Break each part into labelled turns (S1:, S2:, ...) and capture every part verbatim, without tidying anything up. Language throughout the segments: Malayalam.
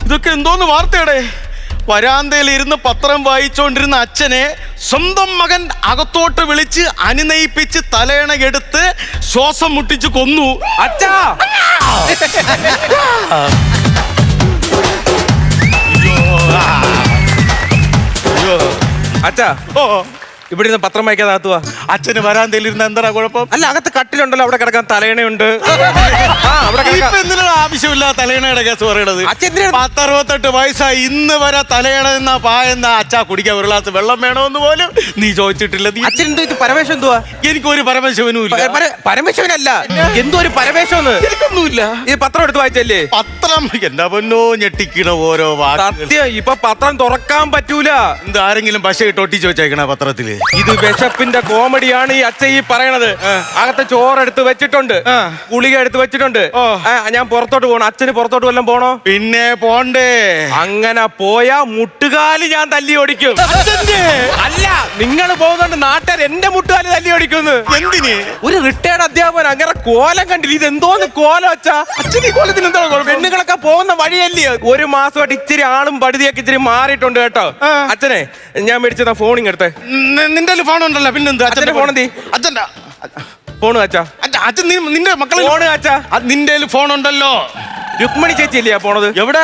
S1: ഇതൊക്കെ എന്തോന്ന് വാർത്തയുടെ? വരാന്തയിൽ ഇരുന്ന് പത്രം വായിച്ചുകൊണ്ടിരുന്ന അച്ഛനെ സ്വന്തം മകൻ അകത്തോട്ട് വിളിച്ച് അനുനയിപ്പിച്ച് തലയണ എടുത്ത് ശ്വാസം മുട്ടിച്ച് കൊന്നു.
S2: അച്ഛാ അച്ഛാ
S1: ഓ
S2: ഇവിടെ നിന്ന് പത്രം വായിക്കാതെ അകത്തുവാ.
S1: അച്ഛന് വരാന്തയിൽ ഇരുന്ന് എന്താ കുഴപ്പം?
S2: അല്ല, അകത്ത് കട്ടിലുണ്ടല്ലോ, അവിടെ കിടക്കാൻ തലയണയുണ്ട്.
S1: എന്തിനാണ് ആവശ്യമില്ല തലയണയുടെ കേസ് പറയണത്? പത്തറുപത്തെട്ട് വയസ്സായി ഇന്ന് വരെ തലയണ എന്നാ പായെന്ന അച്ഛാ കുടിക്കാൻ ഒരു ഗ്ലാസ് വെള്ളം വേണമെന്ന് പോലും നീ ചോദിച്ചിട്ടില്ല.
S2: അച്ഛൻ എന്തോ ഇത് പരമേശ്വരൻ എന്തുവാ?
S1: എനിക്കൊരു പരമശിവനും ഇല്ല.
S2: പരമേശ്വരനല്ല, എന്തോ ഒരു പരമേശ്വരന്ന്.
S1: എനിക്കൊന്നുമില്ല.
S2: ഈ പത്രം എടുത്ത് വായിച്ചല്ലേ?
S1: പത്രം എന്താ പൊന്നോ ഞെട്ടിക്കണ ഓരോ
S2: സത്യം. ഇപ്പൊ പത്രം തുറക്കാൻ പറ്റൂല.
S1: എന്ത് ആരെങ്കിലും പശ ഇട്ട് ഒട്ടിച്ച് വെച്ചേക്കണ പത്രത്തില്?
S2: ഇത് വിശപ്പിന്റെ കോമഡിയാണ് ഈ അച്ഛൻ ഈ പറയണത്. അകത്തെ ചോറെടുത്ത് വെച്ചിട്ടുണ്ട്, ഗുളിക എടുത്ത് വെച്ചിട്ടുണ്ട്. ഞാൻ പുറത്തോട്ട് പോകണം. അച്ഛന് പുറത്തോട്ട് വല്ലതും പോണോ?
S1: പിന്നെ പോണ്ടേ.
S2: അങ്ങനെ പോയാ മുട്ടുകാല് ഞാൻ തല്ലി ഓടിക്കും. അല്ല, നിങ്ങൾ പോകുന്നുണ്ട് നാട്ടുകാർ എന്റെ മുട്ടുകാല് തല്ലി ഓടിക്കുന്നു.
S1: എന്തിന്?
S2: ഒരു റിട്ടയർഡ് അധ്യാപകൻ അങ്ങനെ കോലം കണ്ടില്ല. ഇത് എന്തോന്ന് കോലം വെച്ചാ?
S1: അച്ഛൻ ഈ കോലത്തിന് എന്താ
S2: പെണ്ണുങ്ങളൊക്കെ പോകുന്ന വഴിയല്ലേ? ഒരു മാസമായിട്ട് ഇച്ചിരി ആളും പടുതിയൊക്കെ ഇച്ചിരി മാറിയിട്ടുണ്ട് കേട്ടോ. അച്ഛനെ ഞാൻ മേടിച്ചതാ ഫോണിങ് എടുത്തേ.
S1: നിന്റെ ഫോൺ ഉണ്ടല്ലോ, പിന്നെന്താ?
S2: അച്ഛന്റെ ഫോൺ എന്തി?
S1: അച്ഛൻ്റെ
S2: ഫോണ് അച്ഛാ.
S1: അച്ഛൻ നിന്റെ മക്കളെ
S2: ഫോണ് അച്ഛാ.
S1: നിന്റെ ഫോൺ ഉണ്ടല്ലോ.
S2: രുക്മിണി ചേച്ചി ഇല്ലയാ പോണത്?
S1: എവിടെ?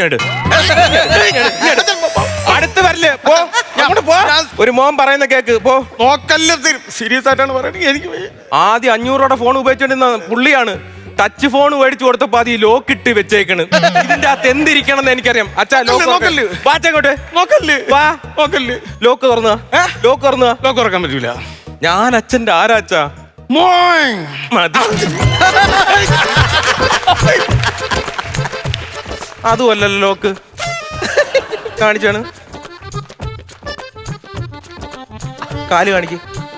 S2: അടുത്ത് വരല്ലേ? പോ, പോ. ഒരു മോൻ പറയുന്ന കേക്ക്. പോ.
S1: നോക്കല്ല, സീരിയസ് ആയിട്ടാണ് പറയുന്നത്. എനിക്ക്
S2: ആദ്യം അഞ്ഞൂറോടെ ഫോൺ ഉപയോഗിച്ചോണ്ടിരുന്ന പുള്ളിയാണ്. ടച്ച് ഫോൺ മേടിച്ചു കൊടുത്തപ്പോ അത് ഈ ലോക്ക് ഇട്ട് വെച്ചേക്കണ്. ഇതിന്റെ അകത്ത് എന്തിരിക്കണം എന്ന് എനിക്കറിയാം. അച്ഛാ ലോക്ക് നോക്കല്ലേ? വാച്ചങ്ങോട്ട് നോക്കല്ലേ? വാ നോക്കല്ലേ? ലോക്ക് തുറന്ന ലോക്ക് തുറന്ന
S1: ലോക്ക് തുറക്കാൻ പറ്റൂല.
S2: ഞാൻ അച്ഛന്റെ ആരാ അച്ഛാ? മതി. അതുമല്ലല്ലോ ലോക്ക്. കാണിച്ചാണ് കാല് കാണിക്ക്.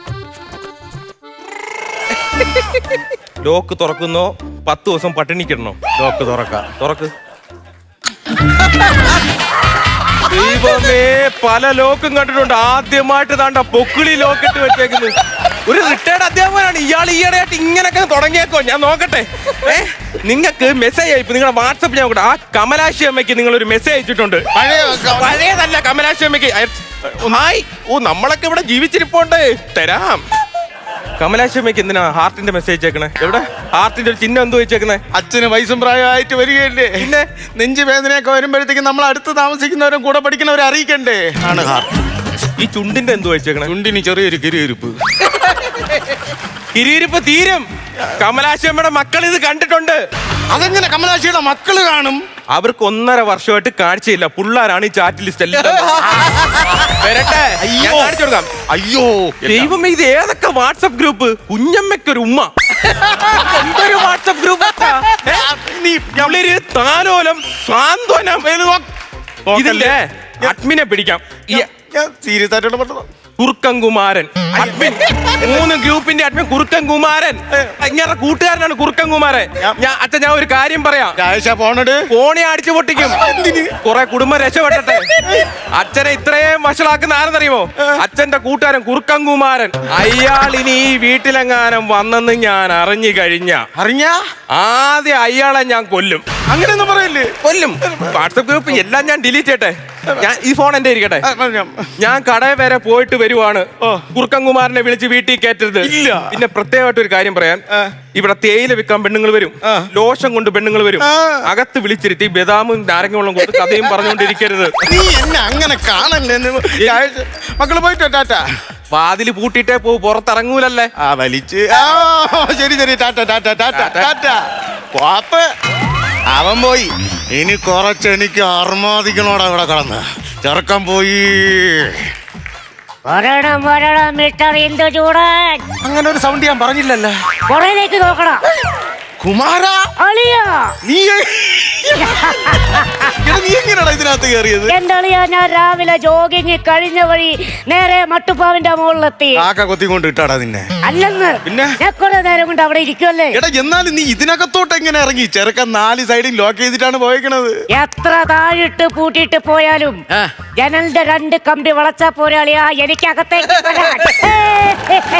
S2: ലോക്ക് തുറക്കുന്നോ പത്ത് ദിവസം പട്ടിണിക്കിടണോ?
S1: ലോക്ക് തുറക്കാം.
S2: തുറക്ക്. ദൈവമേ, പല ലോക്കും കണ്ടിട്ടുണ്ട്. ആദ്യമായിട്ട് താണ്ട പൊക്കിളി ലോക്കിട്ട് വെച്ചേക്കുന്നത്. ഒരു റിട്ടയർഡ് അധ്യാപകനാണ് ഇയാൾ. ഈയിടെയായിട്ട് ഇങ്ങനൊക്കെ തുടങ്ങിയേക്കോ? ഞാൻ നോക്കട്ടെ. ഏ നിങ്ങൾക്ക് മെസ്സേജ് അയപ്പ് നിങ്ങളുടെ വാട്സപ്പ് ഞാൻ നോക്കട്ടെ. ആ കമലാശി അമ്മയ്ക്ക് നിങ്ങൾ ഒരു മെസ്സേജ് അയച്ചിട്ടുണ്ട്. പഴയതല്ല, കമലാശി അമ്മയ്ക്ക്. ഹായ്. ഓ, നമ്മളൊക്കെ ഇവിടെ ജീവിച്ചിരിപ്പോണ്ട്. തരാം. കമലാശി അമ്മയ്ക്ക് എന്തിനാ ഹാർട്ടിന്റെ മെസ്സേജ് അയക്കണേ? എവിടെ ഹാർട്ടിന്റെ ഒരു ചിഹ്നം എന്തോ വെച്ചേക്കണേ?
S1: അച്ഛന് വയസ്സും പ്രായമായിട്ട് വരികയല്ലേ, പിന്നെ നെഞ്ചു വേദനയൊക്കെ വരുമ്പോഴത്തേക്കും നമ്മൾ അടുത്ത് താമസിക്കുന്നവരും കൂടെ പഠിക്കുന്നവരെ അറിയിക്കണ്ടേ? ആണ് ഹാർട്ട്.
S2: ഈ ചുണ്ടിന്റെ എന്തോ വെച്ചേക്കണേ?
S1: ചുണ്ടിന് ചെറിയൊരു കിരിയിരിപ്പ്.
S2: കിരിയിരിപ്പ് തീരും. കമലാശി അമ്മയുടെ മക്കൾ ഇത് കണ്ടിട്ടുണ്ട്.
S1: അതെങ്ങനെ കമലാശിയുടെ മക്കള് കാണും?
S2: അവർക്ക് ഒന്നര വർഷമായിട്ട് കാഴ്ചയില്ല. പിള്ളേരാണ് ഈ ചാറ്റ് ലിസ്റ്റ് എല്ലാം. വരട്ടെ, കാണിച്ചു കൊടുക്കാം.
S1: അയ്യോ
S2: ദൈവമേ, ഇത് ഏതൊക്കെ വാട്സപ്പ് ഗ്രൂപ്പ്? കുഞ്ഞമ്മയ്ക്കൊരു ഉമ്മ. എന്തൊരു വാട്സപ്പ് ഗ്രൂപ്പ്! താലോലം, സാന്ത്വനം. ഇതില്ലേ അഡ്മിനെ പിടിക്കാം.
S1: സീരിയസ് ആയിട്ടുള്ള പറഞ്ഞത്.
S2: കുറുക്കൻകുമാരൻ അഡ്മിൻ. മൂന്ന് ഗ്രൂപ്പിന്റെ അഡ്മിൻ കുറുക്കൻകുമാരൻ. ഇങ്ങനെ കൂട്ടുകാരനാണ് കുറുക്കൻകുമാരൻ. ഞാൻ അച്ഛൻ ഞാൻ ഒരു കാര്യം പറയാം. ഫോണി അടിച്ചു പൊട്ടിക്കും. കുറെ കുടുംബം രക്ഷപ്പെട്ടെ. അച്ഛനെ ഇത്രയും വഷളാക്കുന്ന ആരെന്നറിയുമോ? അച്ഛന്റെ കൂട്ടുകാരൻ കുറുക്കൻകുമാരൻ. അയാൾ ഇനി ഈ വീട്ടിലെങ്ങാനും വന്നെന്ന് ഞാൻ അറിഞ്ഞു കഴിഞ്ഞ
S1: അറിഞ്ഞ
S2: ആദ്യം അയാളെ ഞാൻ കൊല്ലും.
S1: അങ്ങനെയൊന്നും പറയില്ലേ?
S2: കൊല്ലും. വാട്സപ്പ് ഗ്രൂപ്പ് എല്ലാം ഞാൻ ഡിലീറ്റ് ചെയ്യട്ടെ. ഞാൻ ഈ ഫോൺ എന്റെ ഇരിക്കട്ടെ. ഞാൻ കടയിൽ വരെ പോയിട്ട് വരുവാണ്. കുറുക്കൻകുമാരനെ വിളിച്ച് വീട്ടിൽ കയറ്റരുത്.
S1: ഇല്ല.
S2: പിന്നെ പ്രത്യേകമായിട്ട് ഒരു കാര്യം പറയാൻ, ഇവിടെ തേയില വിൽക്കാൻ പെണ്ണുങ്ങൾ വരും, ലോഷം കൊണ്ട് പെണ്ണുങ്ങൾ വരും. അകത്ത് വിളിച്ചിരുത്തി ബദാമും നാരങ്ങ വെള്ളം കൊണ്ട് കഥയും പറഞ്ഞുകൊണ്ടിരിക്കരുത്.
S1: നീ എന്നെ അങ്ങനെ കാണല്ലേ. മക്കള് പോയിട്ടോ ടാറ്റ.
S2: വാതില് പൂട്ടിട്ടേ പോ, പുറത്തിറങ്ങൂലല്ലേ.
S1: ആ വലിച്ച്. ശരി ശരി, ടാറ്റ ടാറ്റ ടാറ്റ ടാറ്റ. പാപ്പ് അവൻ പോയി. ഇനി കുറച്ച് എനിക്ക് അർമാദിക്കണോടാ ഇവിടെ കടന്ന്. ചെറുക്കം പോയി.
S3: വരണം വരണം മിസ്റ്റർ ഇന്ദുചൂടൻ.
S1: അങ്ങനെ ഒരു സൗണ്ട് ഞാൻ പറഞ്ഞില്ലല്ലോ.
S3: പുറയിലേക്ക് നോക്കണം.
S1: കുമാര
S3: അളിയാ,
S1: നീ നീ എങ്ങനെയാ ഇതിനകത്ത് കയറിയത്?
S3: എന്റെ അളിയാ, ഞാൻ രാവിലെ ജോഗിങ് കഴിഞ്ഞ വഴി നേരെ മട്ടുപ്പാവിന്റെ മുകളിലെത്തി.
S1: കാക്ക കൊത്തിക്കൊണ്ട് ഇട്ടാടാ നിന്നെ?
S3: അല്ലെന്ന്,
S1: പിന്നെ
S3: ഞാൻ കുറെ നേരം കൊണ്ട് അവിടെ ഇരിക്കുമല്ലേ.
S1: എടാ, എന്നാലും നീ ഇതിനകത്തോട്ട് എങ്ങനെ ഇറങ്ങി? ചെറുക്കൻ നാല് സൈഡിൽ ലോക്ക് ചെയ്തിട്ടാണ് പോയേക്കണത്.
S3: എത്ര താഴിട്ട് പൂട്ടിയിട്ട് പോയാലും ജനലിന്റെ രണ്ട് കമ്പി വളച്ചാ പോരാളിയാ എനിക്കകത്തേക്ക് വരാൻ.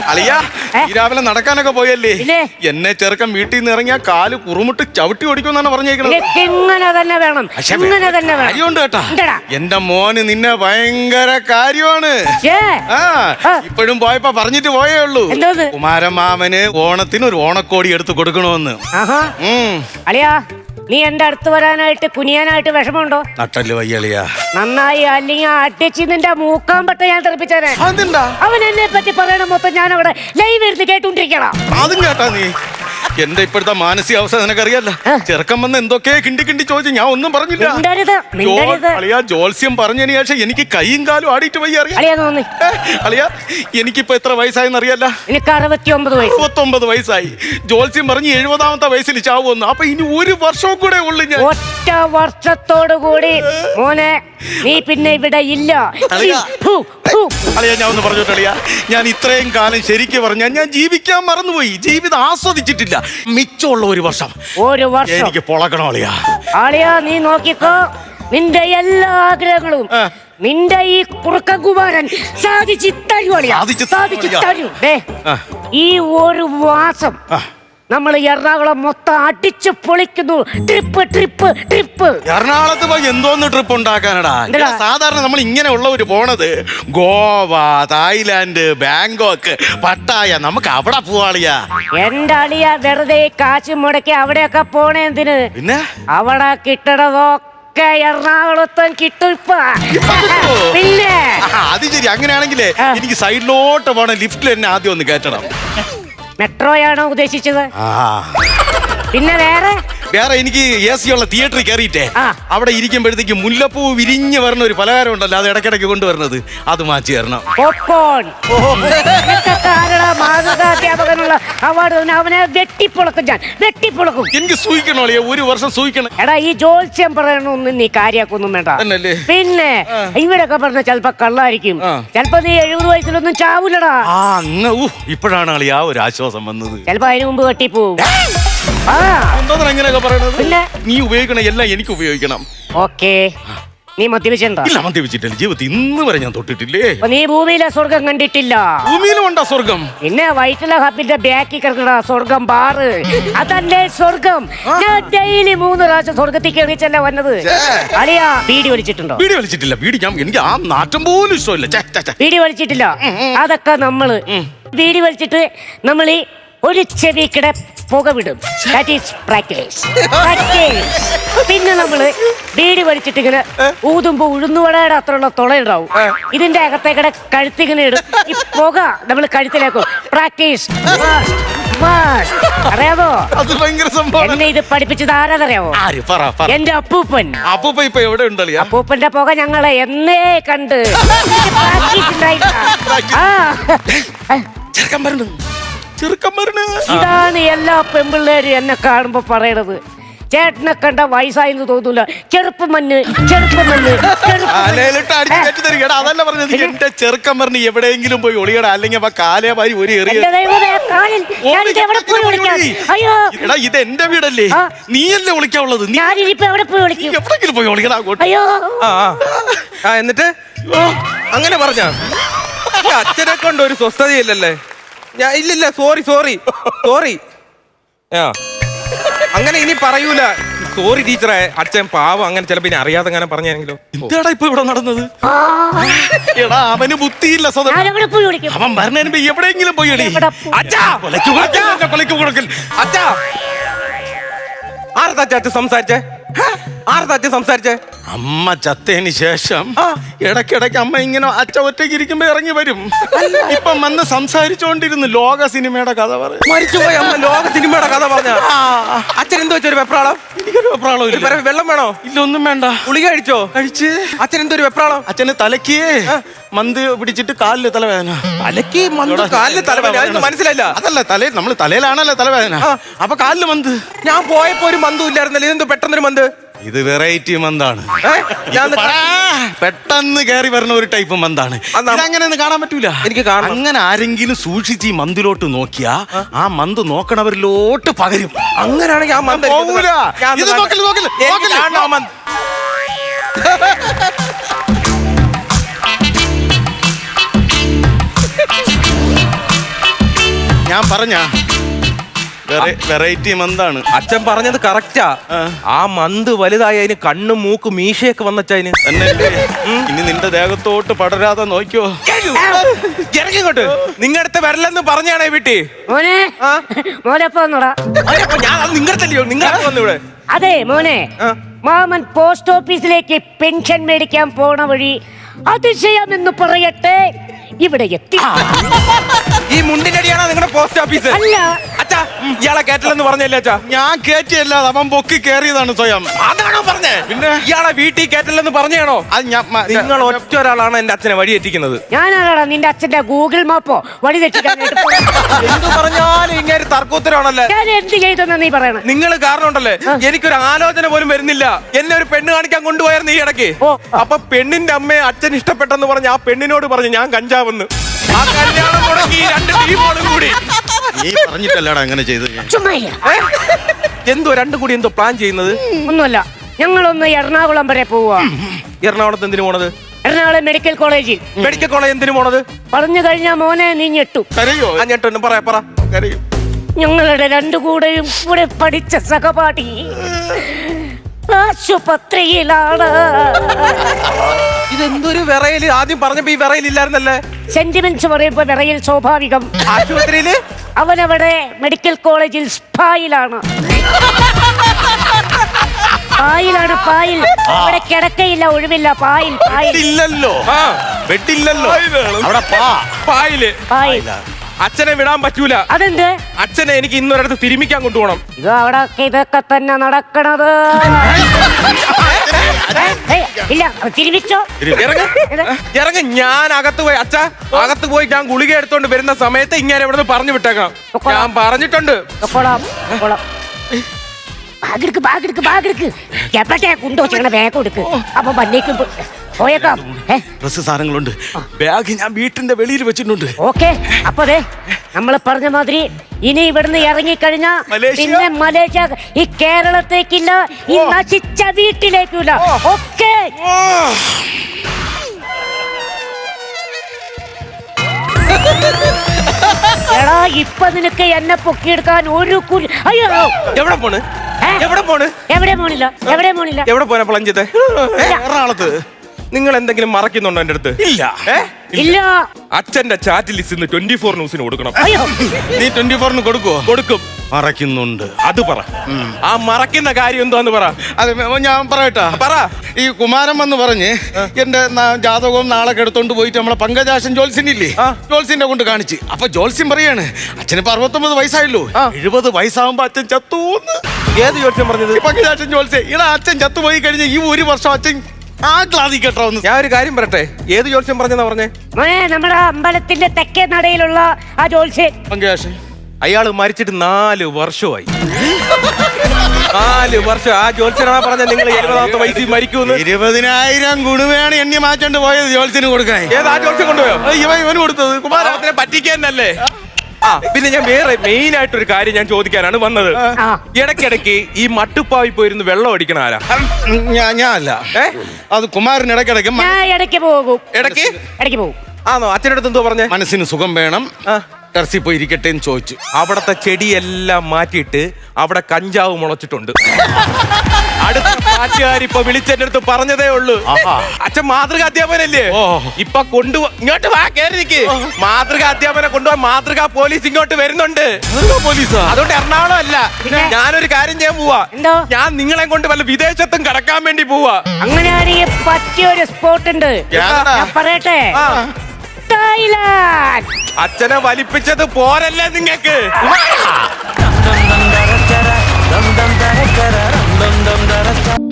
S1: അളിയ
S3: ഏ?
S1: ഈ രാവിലെ നടക്കാനൊക്കെ പോയല്ലേ
S3: പിന്നെ?
S1: എന്നെ ചെറുക്കൻ വീട്ടിൽ നിന്ന് ഇറങ്ങിയ കാല് കുറുമുട്ട് ചവിട്ടി ഓടിക്കുമെന്നാണ് പറഞ്ഞേക്കുന്നത്.
S3: നിനക്ക് ഇങ്ങനെ തന്നെ വേണം, ഇങ്ങനെ തന്നെ വേണം.
S1: കാര്യമുണ്ട് കേട്ടാ.
S3: ഉണ്ടെടാ.
S1: എന്റെ മോന് നിന്നെ ഭയങ്കര കാര്യമാണ്.
S3: ഛേ,
S1: ആ
S3: ആ.
S1: ഇപ്പോഴും പോയപ്പോ പറഞ്ഞിട്ട് പോയേ ഉള്ളൂ.
S3: എന്തോന്ന്?
S1: കുമാരമാമന് ഓണത്തിന് ഒരു ഓണക്കോടി എടുത്ത് കൊടുക്കണമെന്ന്.
S3: ആഹാ.
S1: ഉം.
S3: അളിയാ, നീ എന്റെ അടുത്ത് വരാനായിട്ട് കുനിയാനായിട്ട് വിഷമമുണ്ടോ?
S1: നട്ടല് വയ്യളിയാ.
S3: നന്നായി, അല്ലെങ്കിൽ അടിച്ച് നിന്റെ മൂക്കാൻ പറ്റ ഞാൻ തെറിപ്പിച്ചേനെ.
S1: അതെന്താ?
S3: അവൻ എന്നെ പറ്റി പറയണ മൊത്തം ഞാൻ അവിടെ ലൈവ് എടുത്ത് കേട്ടോണ്ടിരിക്കണം.
S1: അതും കേട്ടാ നീ. എന്റെ ഇപ്പോഴത്തെ മാനസികാവസ്ഥ നിനക്കറിയാലോ. ചെറുക്കം വന്ന് എന്തൊക്കെ കിണ്ടി കിണ്ടി ചോദിച്ചു, ഞാൻ ഒന്നും പറഞ്ഞില്ല.
S3: മിണ്ടരുത്, മിണ്ടരുത്.
S1: അളിയാ, ജോത്സ്യം പറഞ്ഞതിന് ശേഷം എനിക്ക് കൈയും കാലും ആടിയിട്ട് വയ്യ. അറിയാം
S3: അളിയാ, തോന്നി.
S1: അളിയാ, എനിക്കിപ്പോ എത്ര വയസ്സായെന്ന് അറിയാല്ല.
S3: എനിക്ക് അറുപത്തി ഒമ്പത് വയസ്സ്.
S1: അറുപത്തൊമ്പത് വയസ്സായി. ജോത്സ്യം പറഞ്ഞ് എഴുപതാമത്തെ വയസ്സിൽ ചാവുമെന്ന്. അപ്പൊ ഇനി ഒരു വർഷവും കൂടെ ഉള്ളു ഞാൻ.
S3: ഒറ്റ വർഷത്തോടു കൂടി മോനെ നീ പിന്നെ ഇവിടെ ഇല്ല.
S1: അളിയാ.
S3: ഫു, ഫു.
S1: അളിയാ, ഞാൻ ഒന്ന് പറഞ്ഞോട്ടെ അളിയാ, ഞാൻ ഇത്രയും കാലം ശരിക്ക് പറഞ്ഞാൽ ഞാൻ ജീവിക്കാൻ മറന്നുപോയി. ജീവിതം ആസ്വദിച്ചിട്ടില്ല. മിച്ചമുള്ള ഒരു വർഷം
S3: ഒരു വർഷം
S1: എനിക്ക് പൊളക്കണം അളിയാ.
S3: ആളിയാ, നീ നോക്കിക്കോ, നിന്റെ എല്ലാ ആഗ്രഹങ്ങളും
S1: ആ.
S3: നിന്റെ ഈ കുറുക്കകുമാരൻ സാധിച്ചു തരൂ അളിയാ.
S1: സാധിച്ച് തരും
S3: സാധിച്ചു
S1: അളിയാ.
S3: തരൂ. ദേ,
S1: ആ.
S3: ഈ ഒരു മാസം
S1: ആ.
S3: നമ്മൾ എറണാകുളം മൊത്തം അടിച്ചു പൊളിക്കുന്നു. Trip trip trip.
S1: എറണാകുളത്ത് പോയി എന്തോന്ന് ട്രിപ്പ് ഉണ്ടാക്കാനടാ?
S3: എന്തെടാ?
S1: ഇവിടെ സാധാരണ നമ്മൾ ഇങ്ങനെ ഉള്ളവര് പോണത് ഗോവ, തായ്ലാന്റ്, ബാങ്കോക്ക്, പട്ടായ. നമുക്ക് അവിടെ പോവാളിയാ.
S3: എന്റെ അളിയ വെറുതെ കാശ് മുടക്കി അവിടെയൊക്കെ പോണേ എന്തിന്?
S1: പിന്നെ
S3: അവിടെ കിട്ടണതൊക്കെ എറണാകുളത്തും കിട്ടും ഇപ്പൊ. പിന്നെ
S1: ആഹാ, അത് ശരി. അങ്ങനെയാണെങ്കിലേ
S3: ആ.
S1: എനിക്ക് സൈഡിലോട്ട് പോണ ലിഫ്റ്റിൽ എന്നെ ആദ്യം ഒന്ന് കയറ്റണം.
S3: മെട്രോയാണോ ഉദ്ദേശിച്ചത്?
S1: ആ.
S3: പിന്നെ വേറെ
S1: വേറെ എനിക്ക് എ സി ഉള്ള തിയേറ്ററിൽ കയറിയിട്ടേ
S3: ആ.
S1: അവിടെ ഇരിക്കുമ്പോഴത്തേക്ക് മുല്ലപ്പൂ വിരിഞ്ഞ് വരുന്ന ഒരു പലഹാരം ഉണ്ടല്ലോ, അത് ഇടയ്ക്കിടയ്ക്ക് കൊണ്ടുവരുന്നത്, അത് മാറ്റി തരണം.
S3: പോപ്കോൺ. നിനക്കൊക്കെ ആരെടാ മാതൃകാധ്യാപകനുള്ള അവാർഡ് തന്നെ? അവനെ വെട്ടിപ്പൊളക്കും ഞാൻ, വെട്ടിപ്പൊളക്കും.
S1: എനിക്ക് സൂഹിക്കണോ അളിയാ? ഒരു വർഷം സൂഹിക്കണം.
S3: എടാ, ഈ ജോത്സ്യം പറയണൊന്നും നീ കാര്യാക്കൊന്നും വേണ്ട.
S1: തന്നല്ലേ?
S3: പിന്നെ ഇവിടൊക്കെ പറഞ്ഞ ചിലപ്പോ കള്ളായിരിക്കും.
S1: ആ.
S3: ചിലപ്പോ നീ എഴുപത് വയസ്സിലൊന്നും ചാവൂലടാ.
S1: ആ അങ്ങ് ഊ ഇപ്പോഴാണ് അളിയാ ഒരു ആശ്വാസം വന്നത്.
S3: ചിലപ്പോ അതിനു മുമ്പ് കെട്ടിപ്പോവും. ആ
S1: എന്തോന്നാ അങ്ങനെയൊക്കെ പറയണത്?
S3: പിന്നെ?
S1: നീ ഉപയോഗിക്കണ എല്ലാം എനിക്ക് ഉപയോഗിക്കണം.
S3: ഓക്കെ, നീ മദ്യപിച്ചിട്ടുണ്ടോ?
S1: ഇല്ല, മദ്യപിച്ചിട്ടില്ല. ജീവിതത്തിൽ ഇന്ന് വരെ ഞാൻ തൊട്ടിട്ടില്ലേ.
S3: അപ്പൊ നീ ഭൂമിയിലെ സ്വർഗം കണ്ടിട്ടില്ല.
S1: ഭൂമിയിലും ഉണ്ടാ സ്വർഗം?
S3: പിന്നെ വൈറ്റില ഹബിന്റെ ബാക്കി കിടക്കണ സ്വർഗം ബാറ്, അതല്ലേ സ്വർഗം. ഞാൻ ഡെയിലി മൂന്ന് പ്രാവശ്യം സ്വർഗത്തിൽ കയറിച്ചല്ലേ വന്നത്. അളിയാ, ബീഡി വലിച്ചിട്ടുണ്ടോ?
S1: വീഡിയോ വലിച്ചിട്ടില്ല. വീഡിയോ ഞാൻ എനിക്ക് ആ നാറ്റം പോലും ഇഷ്ടമില്ല. ഛെ, ഛെ, ഛെ.
S3: ബീഡി വലിച്ചിട്ടില്ല. അതൊക്കെ നമ്മള് ബീഡി വലിച്ചിട്ട് നമ്മൾ ഈ ഒരു ചെവിക്കിടെ പുക വിടും. That is practice. പ്രാക്ടീസ്. പിന്നെ നമ്മള് ബീഡി വലിച്ചിട്ട് ഇങ്ങനെ ഊതുമ്പോ ഉഴുന്നുവടയുടെ അത്രയുള്ള തുളയുണ്ടാവും. ഇതിന്റെ അകത്തേക്കടെ കഴുത്തിങ്ങനെ ഇടും. ഈ പുക നമ്മൾ കഴുത്തിലേക്കും. പ്രാക്ടീസ്. അറിയാമോ?
S1: അത് ഭയങ്കര സംഭവം.
S3: എന്നെ ഇത് പഠിപ്പിച്ചത് ആരാന്നറിയാമോ?
S1: ആര് പറ പറ.
S3: എന്റെ അപ്പൂപ്പൻ.
S1: അപ്പൂപ്പ ഇപ്പൊ എവിടെ ഉണ്ടല്ലോ?
S3: അപ്പൂപ്പന്റെ പുക ഞങ്ങളെ എന്നേ കണ്ട് പ്രാക്ടീസ് ഉണ്ടായിട്ടാ. ആ.
S1: ചെറുക്കം വരണു, ചെറുക്കം വരണു.
S3: ഇതാണ് എല്ലാ പെമ്പിള്ളേരും എന്നെ കാണുമ്പോ പറയണത്. ചേട്ടനെ കണ്ട വയസ്സായെന്ന് തോന്നൂല. ചെറുപ്പം മണ്ണ്, ചെറുപ്പം മണ്ണ്,
S1: കാലയിലിട്ട് അടിച്ച് കയറ്റി തരിക. എടാ, അതല്ല പറഞ്ഞത്. എന്റെ ചെറുക്കം പറഞ്ഞ് എവിടെയെങ്കിലും പോയി ഒളിയടാ, അല്ലെങ്കിൽ അപ്പൊ കാലേ മാരി ഒരു എറിയ. എടാ, ഇത് എന്റെ വീടല്ലേ?
S3: ആ.
S1: നീയല്ലേ ഒളിക്കാവുള്ളത്? നീ
S3: ഞാനിപ്പോ എവിടെ പോയി വിളിക്കും?
S1: എവിടെങ്കിലും പോയി ഒളിക്കടാ അങ്ങോട്ട്.
S3: അയ്യോ,
S2: ആ ആ. ആ എന്നിട്ട് അങ്ങനെ പറഞ്ഞ അച്ഛനെ കൊണ്ട് ഒരു സ്വസ്ഥതയില്ലല്ലേ? ഞാൻ ഇല്ലില്ല, സോറി സോറി സോറി. ആ അങ്ങനെ ഇനി പറയൂല. സോറി ടീച്ചറെ, അച്ഛൻ പാവം. അങ്ങനെ ചിലപ്പോ ഇനി അറിയാതെ അങ്ങനെ പറഞ്ഞെങ്കിലോ.
S1: എന്താടാ ഇപ്പൊ ഇവിടെ നടന്നത്?
S3: ആ.
S1: എടാ, അവന് ബുദ്ധിയില്ല സ്വതം.
S3: ഞാനെവിടെ പോയി വിളിക്കും?
S1: അവൻ പറഞ്ഞതിന് മുമ്പ് എവിടെയെങ്കിലും പോയി എടി.
S3: എവിടെ പോയി?
S1: അച്ഛാ, കൊലയ്ക്ക് കൊടുക്കൽ, എന്നെ കൊലയ്ക്ക് കൊടുക്കൽ.
S2: അച്ഛാ, ആർത്താ അച്ഛൻ സംസാരിച്ചേ? ആർത്താ അച്ഛൻ സംസാരിച്ചേ?
S1: അമ്മ ചത്തതിന് ശേഷം ഇടയ്ക്കിടയ്ക്ക് അമ്മ ഇങ്ങനെ അച്ഛ ഒറ്റയ്ക്ക് ഇരിക്കുമ്പോ ഇറങ്ങി വരും. ഇപ്പം വന്ന് സംസാരിച്ചോണ്ടിരുന്നു ലോക സിനിമയുടെ കഥ പറയും.
S2: മരിച്ചുപോയ അമ്മ ലോക സിനിമയുടെ കഥ പറഞ്ഞ അച്ഛൻ എന്തോ വെച്ചൊരു വെപ്രാളം?
S1: എനിക്കൊരു വെപ്രാളം ഇല്ല.
S2: വേറെ വെള്ളം വേണോ?
S1: ഇല്ല, ഒന്നും വേണ്ട.
S2: ഗുളിക കഴിച്ചോ?
S1: കഴിച്ച്.
S2: അച്ഛൻ എന്തോ ഒരു വെപ്രാളം?
S1: അച്ഛന് തലക്ക് മന്ത് പിടിച്ചിട്ട് കാലില് തലവേദന.
S2: തലക്ക് മന്ത്, കാലില് തലവേദന? അതൊന്നും മനസ്സിലായില്ല.
S1: അതല്ല, തലേ നമ്മള് തലയിലാണല്ലോ തലവേദന. അപ്പൊ കാലില് മന്ത്.
S2: ഞാൻ പോയപ്പോ ഒരു മന്തും ഇല്ലായിരുന്നല്ലോ. ഇതെന്തോ പെട്ടെന്നൊരു മന്ത്?
S1: ഇത് വെറൈറ്റി മന്താണ്.
S2: ഏ? ഞാൻ
S1: ഇത് പടാ, പെട്ടെന്ന് കയറി വരുന്ന ഒരു ടൈപ്പ് മന്താണ്. അങ്ങനെ ഒന്നും കാണാൻ പറ്റൂല.
S2: എനിക്ക് കാണാം.
S1: അങ്ങനെ ആരെങ്കിലും സൂക്ഷിച്ച് ഈ മന്തിലോട്ട് നോക്കിയാ ആ മന്ത് നോക്കണവരിലോട്ട് പകരും.
S2: അങ്ങനെയാണെങ്കിൽ ആ മന്ത്
S1: പോവൂല. ഇത് നോക്കല്, നോക്കല്, നോക്കല്.
S2: കാണണം ആ മന്ത്.
S1: ഞാൻ പറഞ്ഞ വെറൈറ്റി മന്താണ്.
S2: അച്ഛൻ പറഞ്ഞത് കറക്റ്റാ.
S1: ആ.
S2: ആ മന്ത് വലുതായി അതിന് കണ്ണും മൂക്കും മീശയൊക്കെ വന്നച്ചതിന്.
S1: എന്നല്ലേ ഇനി നിന്റെ ദേഹത്തോട്ട് പടരാതെ നോക്കിയോ.
S2: ഇറങ്ങിങ്ങോട്ട്. നിങ്ങടുത്ത് വരലെന്ന് പറഞ്ഞാണേ വീട്ടി.
S3: മോനെ
S2: ആ?
S3: മോനെ പോന്നോടാ.
S2: ഞാൻ അത് നിങ്ങടത്തല്ലയോ? നിങ്ങളെ വന്നു ഇവിടെ.
S3: അതെ മോനെ,
S2: ആ.
S3: മാമൻ പോസ്റ്റ് ഓഫീസിലേക്ക് പെൻഷൻ മേടിക്കാൻ പോണ വഴി അതിശയമെന്ന് പറയട്ടെ ഇവിടെ എത്തി.
S2: ഈ മുണ്ടിനടിയാണോ നിങ്ങളുടെ പോസ്റ്റ് ഓഫീസ്?
S3: അല്ല.
S2: അച്ഛാ ഇയാളെ കേട്ടില്ലെന്ന് പറഞ്ഞല്ലേ അച്ഛാ?
S1: ഞാൻ കേറ്റിയല്ല, അവൻ പൊക്കി കേറിയതാണ് സ്വയം.
S2: അതാണോ പറഞ്ഞേ?
S1: പിന്നെ?
S2: ഇയാളെ വീട്ടിൽ കേട്ടില്ലെന്ന് പറഞ്ഞാണോ?
S1: അത് ഞാൻ മ-
S2: നിങ്ങൾ ഒറ്റ ഒരാളാണ് എന്റെ അച്ഛനെ വഴി എത്തിക്കുന്നത്.
S3: ഞാനാടാ നിന്റെ അച്ഛന്റെ ഗൂഗിൾ മാപ്പോ വഴി തെറ്റിക്കാനായിട്ട് പോണെ.
S2: എന്ത് പറഞ്ഞാലും ഇങ്ങനെ തർക്കോത്തരമാണല്ലേ?
S3: ഞാൻ എന്ത് ചെയ്തെന്നാ നീ പറയണ?
S2: നിങ്ങൾ കാരണം ഉണ്ടല്ലേ എനിക്കൊരു ആലോചന പോലും വരുന്നില്ല. എന്നെ ഒരു പെണ്ണ് കാണിക്കാൻ കൊണ്ടുപോയായിരുന്നു ഈ ഇടയ്ക്ക്.
S3: ഓ.
S2: അപ്പൊ പെണ്ണിന്റെ അമ്മയെ അച്ഛൻ ഇഷ്ടപ്പെട്ടെന്ന് പറഞ്ഞ് ആ പെണ്ണിനോട് പറഞ്ഞു ഞാൻ കഞ്ചാവെന്ന്. ആ കല്യാണം മുടങ്ങി ഈ രണ്ട് ടീമുകളും കൂടി.
S1: നീ പറഞ്ഞിട്ടല്ലടാ അങ്ങനെ ചെയ്ത്.
S3: ചുമ്മാ ഇല്ല.
S2: ഏ? എന്തോ രണ്ടും കൂടി എന്തോ പ്ലാൻ ചെയ്യുന്നത്?
S3: ഒന്നുമല്ല, ഞങ്ങളൊന്ന് എറണാകുളം വരെ പോവാ.
S2: എറണാകുളത്ത് എന്തിനു പോണത്?
S3: എറണാകുളം മെഡിക്കൽ കോളേജിൽ.
S2: മെഡിക്കൽ കോളേജ് എന്തിനു പോണത്?
S3: പറഞ്ഞു കഴിഞ്ഞാ മോനെ നീ ഞെട്ടു.
S1: കരയോ?
S2: ആ ഞെട്ടൊന്നും പറയാ പറ.
S1: കരയോ?
S3: ഞങ്ങളുടെ രണ്ടു കൂടെയും കൂടെ പഠിച്ച സഹപാഠി ആശുപത്രിയിലാണ്.
S2: ഇതെന്തൊരു വിറയില്? ആദ്യം പറഞ്ഞപ്പോ ഈ വിറയിലില്ലായിരുന്നല്ലേ?
S3: സെന്റിമെന്റ്സ് പറയുമ്പോ വിറയിൽ സ്വാഭാവികം.
S2: ആശുപത്രിയില്
S3: അവനവിടെ മെഡിക്കൽ കോളേജിൽ സ്പായിലാണ്. പായിലാണ്, പായിൽ. അവിടെ കിടക്കയില്ല, ഒഴിവില്ല, പായിൽ, പായിൽ.
S1: ഇല്ലല്ലോ,
S2: ആ
S1: വെട്ടില്ലല്ലോ അവിടെ. പാ
S2: പായില്
S3: പായിൽ.
S2: അച്ഛനെ വിടാൻ പറ്റൂല.
S3: അതെന്ത്?
S2: അച്ഛനെ എനിക്ക് ഇന്നൊരിടത്ത് തിരുമിക്കാൻ കൊണ്ടുപോകണം.
S3: ഇത് അവിടെ ഇതൊക്കെ തന്നെ നടക്കണത്. ഏയ്, ഇല്ല തിരിമിച്ചോ.
S2: ഇറങ്ങ ഇറങ്ങ ഞാൻ അകത്ത് പോയി അച്ഛ അകത്ത് പോയി ഞാൻ ഗുളിക എടുത്തോണ്ട് വരുന്ന സമയത്ത് ഇങ്ങനെ ഇവിടെ നിന്ന് പറഞ്ഞു വിട്ടേക്കണം. ഞാൻ പറഞ്ഞിട്ടുണ്ട്.
S3: കൊള്ളാം, കൊള്ളാം. ബാഗെടുക്ക്, ബാഗെടുക്ക്, ബാഗെടുക്ക്. എപ്പോഴത്തെ കുണ്ടോ ചെയ്യണ ബാഗ് എടുക്ക്. അപ്പൊ വന്നേക്കും പോയേക്കാം.
S1: ഡ്രസ് സാധനങ്ങളുണ്ട്. ബാഗ് ഞാൻ വീട്ടിന്റെ വെളിയിൽ വെച്ചിട്ടുണ്ട്.
S3: ഓക്കെ. അപ്പൊ അതെ നമ്മൾ പറഞ്ഞ മാതിരി ഇനി ഇവിടുന്ന് ഇറങ്ങിക്കഴിഞ്ഞാ
S1: മലേഷ്യ?
S3: പിന്നെ മലേഷ്യ, ഈ കേരളത്തേക്കില്ല, ഈ നശിച്ച വീട്ടിലേക്കില്ല. ഓക്കെ. എടാ ഇപ്പൊ നിനക്ക് എന്നെ പൊക്കിയെടുക്കാൻ ഒരു കുരി. അയ്യോ,
S2: എവിടെ പോണ്?
S3: ഏ?
S2: എവിടെ പോണ്?
S3: എവിടെ പോണില്ല, എവിടെ പോണില്ല.
S2: എവിടെ പോനാ പ്ലഞ്ചത്തെ?
S1: എറണാകുളത്ത്
S2: നിങ്ങൾ എന്തെങ്കിലും മറക്കുന്നുണ്ടോ എന്റെ അടുത്ത്?
S1: ഇല്ല.
S2: ഏ?
S3: ഇല്ല.
S2: അച്ഛന്റെ ചാറ്റ് ലിസ്റ്റ് ഇന്ന് ട്വന്റി ഫോർ ന്യൂസിന് കൊടുക്കണം.
S3: അയ്യോ,
S1: നീ ട്വന്റി ഫോറിന് കൊടുക്കുവോ?
S2: കൊടുക്കും.
S1: മറക്കുന്നുണ്ട്.
S2: അത് പറ. ആ മറക്കുന്ന കാര്യം എന്താന്ന് പറ.
S1: അത് ഞാൻ പറയട്ടാ.
S2: പറ.
S1: ഈ കുമാരൻ വന്ന് പറഞ്ഞ് എന്റെ ന- ജാതകവും നാളെ എടുത്തോണ്ട് പോയിട്ട് നമ്മളെ പങ്കജാശൻ ജോൽസിനില്ലേ,
S2: ആ.
S1: ജോൽസിന്റെ കൊണ്ട് കാണിച്ച്. അപ്പൊ ജോൽസിൻ പറയാണ് അച്ഛനിപ്പോ അറുപത്തൊമ്പത് വയസ്സായല്ലോ,
S2: ആ.
S1: എഴുപത് വയസ്സാകുമ്പോ അച്ഛൻ ചത്തൂന്ന്.
S2: ഏത് ജോത്സ്യം പറഞ്ഞത്?
S1: ഈ പങ്കജാശൻ ജോൽസെ ഇടാ അച്ഛൻ ചത്തുപോയി കഴിഞ്ഞ ഈ ഒരു വർഷം അച്ഛൻ ആ ക്ലാതി കേട്ടോ ഒന്ന്.
S2: ഞാൻ ഒരു കാര്യം പറയട്ടെ. ഏത് ജോത്സ്യം പറഞ്ഞെന്നാ പറഞ്ഞേ?
S3: മോനെ നമ്മുടെ അമ്പലത്തിന്റെ തെക്കേ നടയിലുള്ള ആ ജോത്സ്യൻ.
S1: പങ്കജാശൻ
S2: അയാള് മരിച്ചിട്ട് നാല് വർഷമായി. നാല് വർഷം. ആ ജോത്സ്യനാ പറഞ്ഞ നിങ്ങൾ എഴുപതാമത്തെ വയസ്സിൽ മരിക്കൂന്ന്.
S1: ഇരുപതിനായിരം ഗുണവേണ് എണ്ണി മാറ്റേണ്ടി പോയത് ജോൽസിന് കൊടുക്കാൻ.
S2: ഏത് ആ ജോത്സ്യം കൊണ്ടുപോയോ?
S1: ഇവ ഇവന് കൊടുത്തത് കുമാരൻ.
S2: കുമാരത്തിനെ പറ്റിക്കാനല്ലേ? ആ പിന്നെ ഞാൻ വേറെ മെയിൻ ആയിട്ടൊരു കാര്യം ഞാൻ ചോദിക്കാനാണ് വന്നത്.
S3: ആ.
S2: ഇടയ്ക്കിടയ്ക്ക് ഈ മട്ടുപ്പാവിൽ പോയിരുന്ന് വെള്ളം അടിക്കണ ആരാ?
S1: ഞാൻ ഞാൻ അല്ല,
S2: ഏ?
S1: അത് കുമാരൻ ഇടയ്ക്കിടയ്ക്ക് മ-
S3: ഞാൻ ഇടയ്ക്ക് പോകും,
S2: ഇടയ്ക്ക്
S3: ഇടയ്ക്ക് പോകും.
S2: ആണോ? അച്ഛൻ്റെ അടുത്ത് എന്തോ പറഞ്ഞേ?
S1: മനസ്സിന് സുഖം വേണം,
S2: ആ.
S1: ടെറസിൽ പോയി ഇരിക്കട്ടെ എന്ന് ചോദിച്ചു.
S2: അവിടത്തെ ചെടിയെല്ലാം മാറ്റിയിട്ട് അവിടെ കഞ്ചാവ് മുളച്ചിട്ടുണ്ട്. അടുത്ത പാട്ടുകാർ ഇപ്പൊ വിളിച്ചെന്റെ അടുത്ത് പറഞ്ഞതേ ഉള്ളൂ.
S1: ആഹാ.
S2: അച്ഛൻ മാതൃക അധ്യാപനല്ലേ?
S1: ഓ.
S2: ഇപ്പൊ കൊണ്ടുപോ ഇങ്ങോട്ട് വാ, കേറി നിക്ക്. മാതൃക അധ്യാപനം കൊണ്ടുപോകാൻ മാതൃക പോലീസ് ഇങ്ങോട്ട് വരുന്നുണ്ട്.
S1: പോലീസാ?
S2: അതുകൊണ്ട് എറണാകുളം അല്ല,
S3: പിന്നെ?
S2: ഞാനൊരു കാര്യം ചെയ്യാൻ പോവാ.
S3: എന്തോ?
S2: ഞാൻ നിങ്ങളെ കൊണ്ട് വല്ല വിദേശത്തും കടക്കാൻ വേണ്ടി പോവാ.
S3: അങ്ങനെയാണെങ്കിൽ പറ്റിയൊരു സ്പോട്ട് ഉണ്ട്.
S1: ഏതാടാ?
S3: ഞാൻ പറയട്ടെ,
S2: ആ.
S3: തായ്ലാൻഡ്.
S2: അച്ഛനെ വലിപ്പിച്ചത് പോരല്ലേ നിങ്ങക്ക്?
S4: dum dum dum da da da dum dum da da da dum dum da da da